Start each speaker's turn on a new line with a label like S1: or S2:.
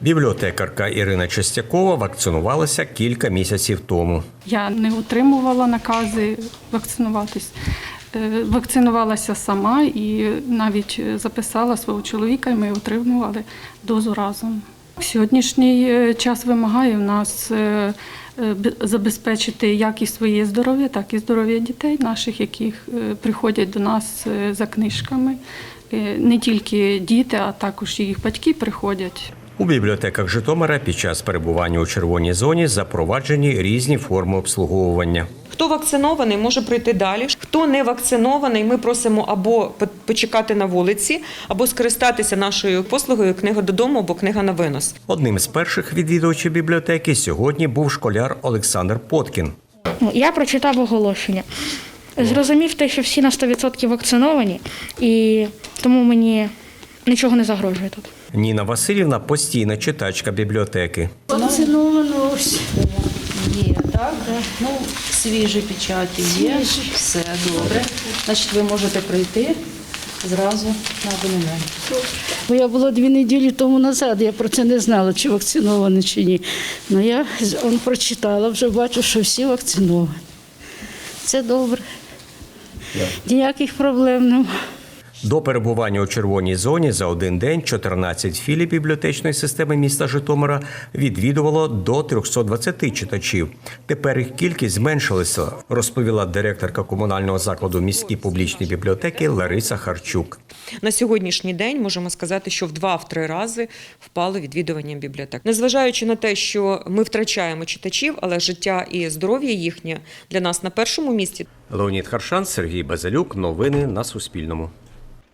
S1: Бібліотекарка Ірина Чистякова вакцинувалася кілька місяців тому.
S2: Я не отримувала накази вакцинуватись. Вакцинувалася сама і навіть записала свого чоловіка, і ми отримували дозу разом. Сьогоднішній час вимагає в нас забезпечити як і своє здоров'я, так і здоров'я дітей наших, які приходять до нас за книжками. Не тільки діти, а також і їх батьки приходять.
S1: У бібліотеках Житомира під час перебування у червоній зоні запроваджені різні форми обслуговування.
S3: Хто вакцинований, може прийти далі. Хто не вакцинований, ми просимо або почекати на вулиці, або скористатися нашою послугою «Книга додому» або «Книга на винос».
S1: Одним з перших відвідувачів бібліотеки сьогодні був школяр Олександр Поткін.
S4: Я прочитав оголошення. Зрозумів те, що всі на 100% вакциновані, і тому мені нічого не загрожує тут.
S1: Ніна Васильівна – постійна читачка бібліотеки.
S5: Вакциновано ось. Є, так? Ну, свіжі печаті є, все добре. Значить, ви можете прийти зразу на абонемент.
S6: Бо я була 2 неділі тому назад, я про це не знала, чи вакциновані, чи ні. Ну, я прочитала, вже бачу, що всі вакциновані. Це добре. Ніяких проблем немає.
S1: До перебування у червоній зоні за один день 14 філій бібліотечної системи міста Житомира відвідувало до 320 читачів. Тепер їх кількість зменшилася, розповіла директорка комунального закладу міські публічні бібліотеки Лариса Харчук.
S3: На сьогоднішній день можемо сказати, що в 2-3 рази впало відвідування бібліотек. Незважаючи на те, що ми втрачаємо читачів, але життя і здоров'я їхнє для нас на першому місці.
S1: Леонід Харшан, Сергій Базилюк. Новини на Суспільному.